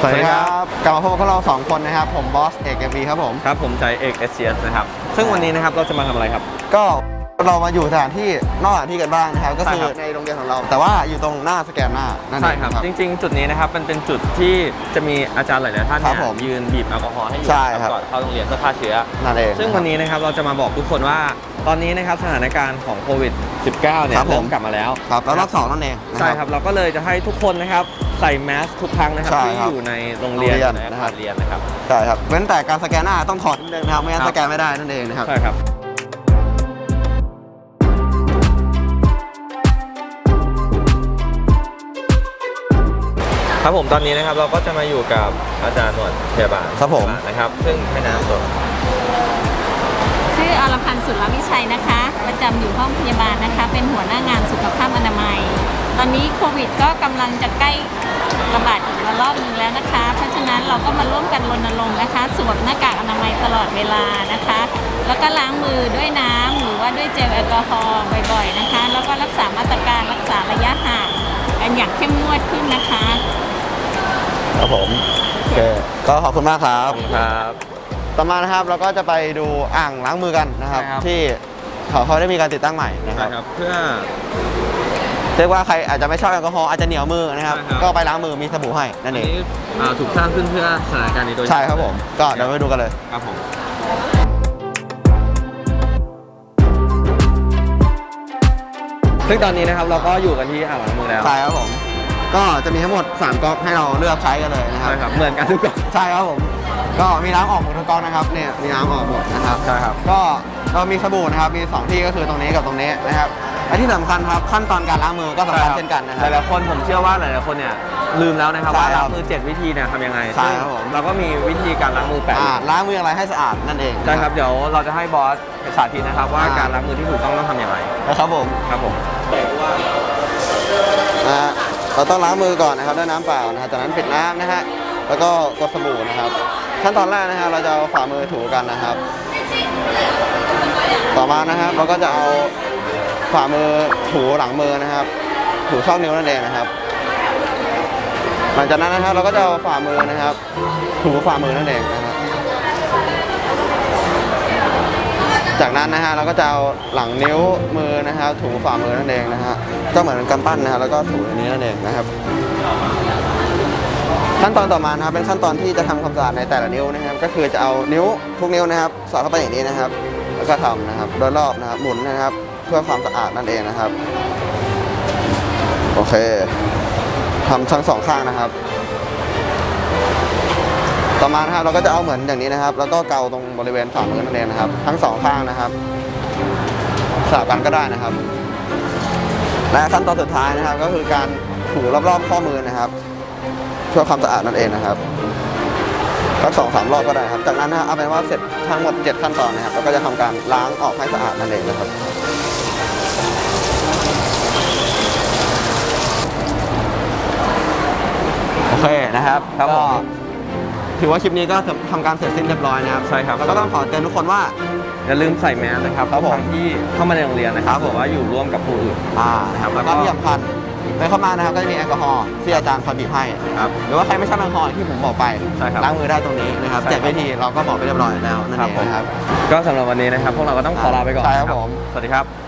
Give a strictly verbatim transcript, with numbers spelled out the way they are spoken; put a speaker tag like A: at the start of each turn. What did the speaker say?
A: สวัสดีครับกลับมาพบกับเราสองคนนะครับผมบอสเอกเอ็มวีครับผม
B: ครับผมใจเอกเอสเซียสนะครับซึ่งวันนี้นะครับเราจะมาทำอะไรครับ
A: ก็เรามาอยู่สถานที่นอกสถานที่กันบ้างนะครับก็คือในโรงเรียนของเราแต่ว่าอยู่ตรงหน้าสแกนหน้านั่นเอง
B: ใช่ครับจริงๆจุดนี้นะครับมันเป็นจุดที่จะมีอาจารย์หลายๆท่านเนี่ยยืนบีบแอลกอฮอล์ให้อยู่ก่อนเข้าโรงเรียนเพื่อฆ่าเชื้อ
A: นั่นเอง
B: ซึ่งวันนี้นะครับเราจะมาบอกทุกคนว่าตอนนี้นะครับสถานการณ์ของโควิด สิบเก้า เนี่ยเริ่มกลับมาแล้ว
A: ครับแล้วรอบสองนั่นเอง
B: ใช่ครับเราก็เลยจะให้ทุกคนนะครับใส่แมสทุกครั้งนะครับที่อยู่ในโรงเรียนในอาคารเรียนนะครับ
A: ใช่ครับเว้นแต่การสแกนหน้าต้องถอดนิดนึงนะครับไม่งั้นสแกนไม่ได้นั่นเองนะครับ
B: ใช่ครับครับผมตอนนี้นะครับเราก็จะมาอยู่กับอาจารย์หนวดพยาบาล
A: ครับผม
B: นะครับซึ่งให้น้ำตัว
C: ชื่ออรพันธ์สุรวิชัยนะคะประจำอยู่ห้องพยาบาลนะคะเป็นหัวหน้างานสุขภาพอนามัยตอนนี้โควิดก็กำลังจะใกล้ระบาดอีกระลอกนึงแล้วนะคะเพราะฉะนั้นเราก็มาร่วมกันรณรงค์นะคะสวมหน้ากากอนามัยตลอดเวลานะคะแล้วก็ล้างมือด้วยน้ำหรือว่าด้วยเจลแอลกอฮอล์บ่อยๆนะคะแล้วก็รักษามาตรการรักษาระยะห่างกันอย่างเข้มงวดขึ้นนะคะ
A: ครับผมโอเคก็ขอบคุณมากครับ
B: ครับ
A: ต่อมานะครับเราก็จะไปดูอ่างล้างมือกันนะครับที่เขาเขาได้มีการติดตั้งใหม่นะครับ
B: เพื่อ
A: เรียกว่าใครอาจจะไม่ชอบแอลกอฮอล์อาจจะเหนียวมือนะครับก็ไปล้างมือมีสบู่ให้นั่นเอง
B: ถูกสร้างขึ้นเพื่อสถานการณ์นี้โดย
A: ใช่ครับผมก็เดี๋ยวไปดูกันเลย
B: ครับผมซึ่งตอนนี้นะครับเราก็อยู่กันที่อ่างล้างมือแล้ว
A: ใช่ครับผมก็จะมีทั้งหมดสามก๊อกให้เราเลือกใช้กันเลยนะครับ
B: ใช่ครับเหมือนกันทุกก๊อก
A: ใช่ครับผมก็มีน้ำออกหมดทุกก๊อกนะครับเนี่ยมีน้ำออกหมดนะครับ
B: ใช่ครับ
A: ก็เรามีสบู่นะครับมีสองที่ก็คือตรงนี้กับตรงนี้นะครับและที่สำคัญครับขั้นตอนการล้างมือก็สำคัญเช่นกันนะครับ
B: หลายๆคนผมเชื่อว่าหลายๆคนเนี่ยลืมแล้วนะครับว่าล้างมือเจ็ดวิธีเนี่ยทำยังไง
A: ใช่ครับผม
B: เราก็มีวิธีการล้างมือแปด
A: ล้างมืออะไรให้สะอาดนั่นเอง
B: ใช่ครับเดี๋ยวเราจะให้บอสสาธิตนะครับว่าการล้างมือที่ถูกต้องต้องทำอย่างไร
A: นะครับผม
B: ครับผม
A: นะฮะเราต้องล้างมือก่อนนะครับด้วยน้ำเปล่านะฮะจากนั้นปิดน้ำนะฮะแล้วก็กดสบู่นะครับขั้นตอนแรกนะครับเราจะเอาฝ่ามือถูกันนะครับต่อมานะครับเราก็จะเอาฝ่ามือถูหลังมือนะครับถูช่องนิ้วนั่นเองนะครับหลังจากนั้นนะครับเราก็จะเอาฝ่ามือนะครับถูฝ่ามือนั่นเองนะครับจากนั้นนะฮะเราก็จะเอาหลังนิ้วมือนะครับถูฝ่ามือนั่นเองนะฮะก็เหมือนกำปั้นนะฮะแล้วก็ถูอันนี้นั่นเองนะครับขั้นตอนต่อมานะครับเป็นขั้นตอนที่จะทำความสะอาดในแต่ละนิ้วนะครับก็คือจะเอานิ้วทุกนิ้วนะครับสอดเข้าไปอย่างนี้นะครับแล้วก็ทำนะครับโดยรอบนะครับหมุนนะครับเพื่อความสะอาดนั่นเองนะครับโอเคทำทั้งสองข้างนะครับต่อมานะครับเราก็จะเอาเหมือนอย่างนี้นะครับแล้วก็เกาตรงบริเวณฝ่ามือนั่นเองนะครับทั้งสองข้างนะครับสลับกันก็ได้นะครับและขั้นตอนสุดท้ายนะครับก็คือการถูรอบๆข้อมือนะครับเพื่อความสะอาดนั่นเองนะครับสักสองสามรอบก็ได้ครับจากนั้นนะเอาเป็นว่าเสร็จทั้งหมดเจ็ดขั้นตอนนะครับเราก็จะทำการล้างออกให้สะอาดนั่นเองนะครับโอเคนะครับ
B: ครับผม
A: ถือว่าคลิปนี้ก็ทำการเสร็จสิ้นเรียบร้อยนะครับ
B: ใช่ครับ
A: แล้วก็ต้องขอเตือนทุกคนว่า
B: อย่าลืมใส่แมสนะครับทุกครั้งที่เข้ามาในโรงเรียนนะครับบอกว่าอยู่ร่วมกับผู้อื่น
A: อ่านะครับแล้วก็ที่สำคัญไปเข้ามานะครับก็จะมีแอลกอฮอล์ที่อาจารย์คอยบีบให้
B: ครับ
A: หรือว่าใครไม่ชอบแอลกอฮอล์ที่ผมบอกไปล้างมือได้ตรงนี้นะครับเจ็ดวิธีเราก็บอกไปเรียบร้อยแล้วนั่นเองนะครับ
B: ก็สำหรับวันนี้นะครับพวกเราก็ต้องขอลาไปก่อน
A: ใช่ครับผม
B: สวัสดีครับ